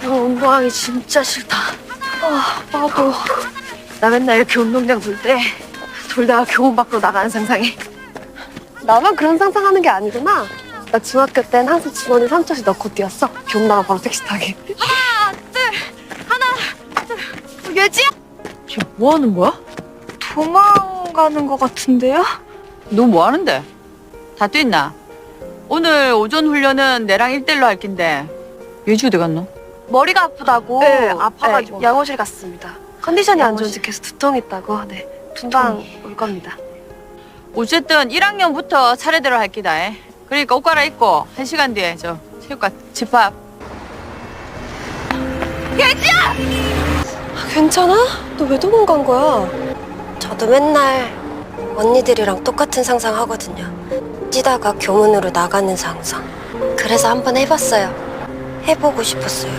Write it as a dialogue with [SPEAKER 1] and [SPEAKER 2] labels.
[SPEAKER 1] 같으면 운동하기 진짜 싫다. 나도. 나 맨날 이렇게 운동장 돌 때 돌다가 교문 밖으로 나가는 상상해.
[SPEAKER 2] 나만 그런 상상하는 게 아니구나. 나 중학교 땐 항상 주머니 3초씩 넣고 뛰었어. 기억 나면 바로 택시 타기.
[SPEAKER 1] 예지야? 지금 뭐 하는 거야? 도망가는 거 같은데요?
[SPEAKER 3] 너 뭐 하는데? 다 뛰었나? 오늘 오전 훈련은 내랑 1대1로 할 낀데 예지 어디 갔노?
[SPEAKER 1] 머리가 아프다고.
[SPEAKER 2] 네, 아파가지고.
[SPEAKER 1] 네, 양호실 갔습니다.
[SPEAKER 2] 컨디션이 안
[SPEAKER 1] 양호실.
[SPEAKER 2] 좋은지 계속 두통 있다고. 네, 금방 올 겁니다.
[SPEAKER 3] 어쨌든 1학년부터 차례대로 할 끼다. 그러니까 옷 갈아입고 1시간 뒤에 저 체육관 집합.
[SPEAKER 2] 괜찮아? 너 왜 도망간 거야? 저도 맨날 언니들이랑 똑같은 상상 하거든요. 뛰다가 교문으로 나가는 상상. 그래서 한번 해봤어요. 해보고 싶었어요.